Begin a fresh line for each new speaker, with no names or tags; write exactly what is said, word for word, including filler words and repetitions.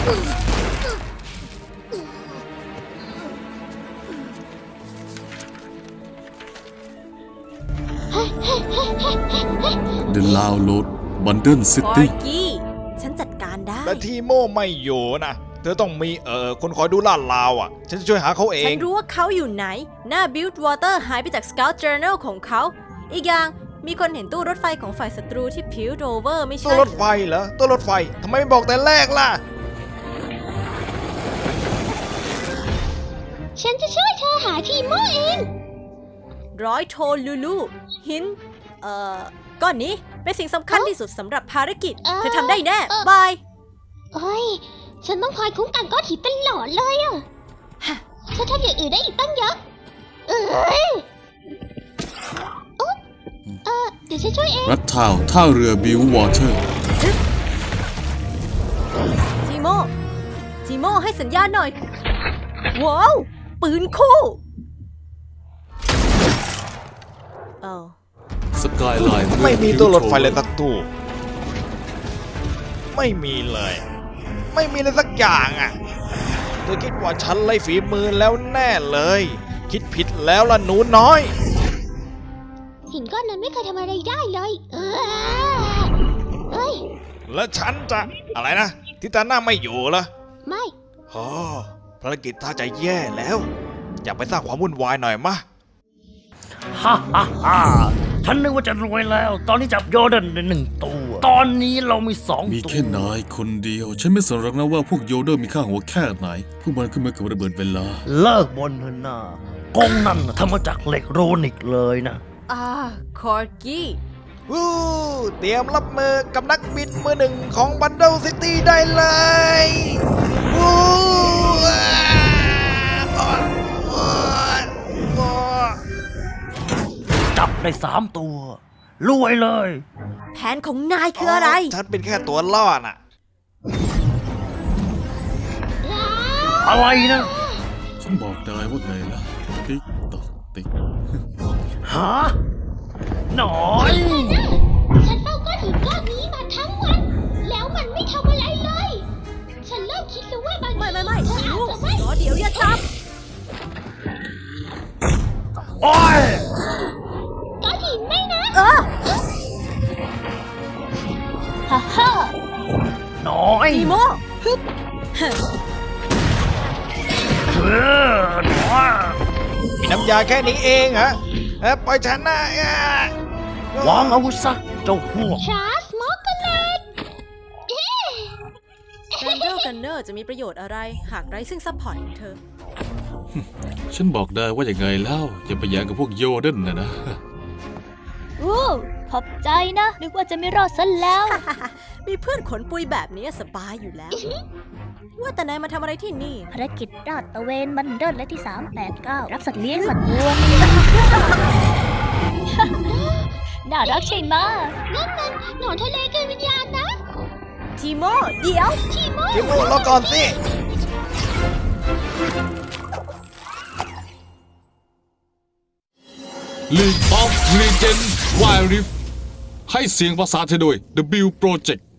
The Download Bundle
ฟอ
City
ร์กี้ฉันจัดการได้
แต่ทีโมไม่อยู่นะเธอต้องมีเอ่อคนคอยดูลาดราวอ่ะฉันจะช่วยหาเขาเอ
ฉั
ง
นรู้ว่าเขาอยู่ไหน หน้า Build Water หายไปจาก Scout Journal ของเขา อีกอย่างมีคนเห็นตู้รถไฟของฝ่ายศัตรูที่ Piltover ไม่ใช่
ตัวรถไฟเหรอตัวรถไฟทำไมไม่บอกแต่แรกล่ะ
ฉันจะช่วยเธอหาทีโมเอง
ร้อยโทลูลูหิน เอ่อ ก้อนนี้เป็นสิ่งสำคัญที่สุดสำหรับภารกิจ
เอ่อ
เธอทำได้แน่
เอ่อ
บาย
เฮ้ย ฉันต้องคอยคุ้มกันก้อนหินตลอดเลยอะฉันทำอย่างอื่นได้อีกตั้งเยอะ เอ้ยโอ๊ะเออเดี๋ยวฉันช่วยเอง
รัฐทาวท่าเรือบิววอเตอร์
ทีโม ทีโมให้สัญญาณหน่อย ว้าว ปืนคู่เออ
สกายไลน์
ไม่มีตัวรถไฟเลยสักตู้ไม่มีเลย ไม่มีเลยสักอย่างอ่ะเธอคิดว่าฉันไล่ฝีมือแล้วแน่เลย คิดผิดแล้วล่ะหนูน้อย
หินก้อนนั้นไม่เคยทำอะไรได้เลย เออเอ้ย
แล้วฉันจะอะไรนะทิตาน่าไม่อยู่เหรอ
ไม่
โอ้ภารกิจท่าจะแย่แล้ว อยากไปสร้างความวุ่นวายหน่อยมะ
ฮ่าฮ่าฮ่าฉันนึกว่าจะรวยแล้ว ตอนนี้จับโยเดนได้หนึ่งตัว ตอนนี้เรามีสอง
มี
ตัว
แค่นายคนเดียว ฉันไม่สนหรอกนะว่าพวกโยเดอร์มีค่าหัวแค่ไหน พวกมันขึ้นมากับระเบิดเวลา
เลิกบนเถอะนะกงนั่นน่ะทำมาจากเหล็กโรนิกเลยนะ
อ่า คอร์กี้
วู้เตรียมรับมือกับนักบินมือหนึ่งของบันเดิลซิตี้ได้เลยวู้อ่าอ่าอ่าอ่า
จับได้สามตัว รวยเลย
แผนของนายคืออะไร
ฉันเป็นแค่ตัวล่อน่ะ
อะไรนะ
ฉันบอกนายว่าไงล่ะ ติ๊กตอกติ๊ก
ฮะหน่อย
ฉันเฝ้าก้อนหินก้อนนี้มาทั้งวัน แล้วมันไม่ทำอะไรเลย ฉันเริ่มคิดแล้วว่าบาง
ไม่
ที
ไม่ไม่
เธออา
ลู
จ
ก
จะไม่
รอเดี๋ยวอย่าจับ
โอ้ย
ก้อนหินไม่นะ
เออ
ฮ่าฮ่า
หน่อย
ทีโม
เออหน่อย
มีน้ำยาแค่นี้เองเหรอเอ้ยปล่อยฉันนะอ่ะ
วางอาวุธซะเจ้าพวก
ชาร์สมอกเลต
แรนเดลกันเนอร์จะมีประโยชน์อะไร หากไร้ซึ่งซัพพอร์ตของเธอ
ฉันบอกได้ว่าอย่างไงแล้ว อย่าไปแย่งกับพวกโยเดนนะนะ
โอ้ขอบใจนะ นึกว่าจะไม่รอดซะแล้ว
มีเพื่อนขนปุยแบบนี้สบายอยู่แล้ว ว่าแต่นายมาทำอะไรที่นี่
ภารกิจราดตระเวนบันเดิลและที่สามแปดเก้ารับสัตว์เลี้ยงมาตัวน่ารักใช่ไหมนั่นมันหนอนทะเลเกินวิญญาณนะ
ทีโม เดี๋ยว
ทีโม
ทีโมรอก่อนสิ
League of Legends Wild Rift ให้เสียงภาษาไทยโดย The Build Project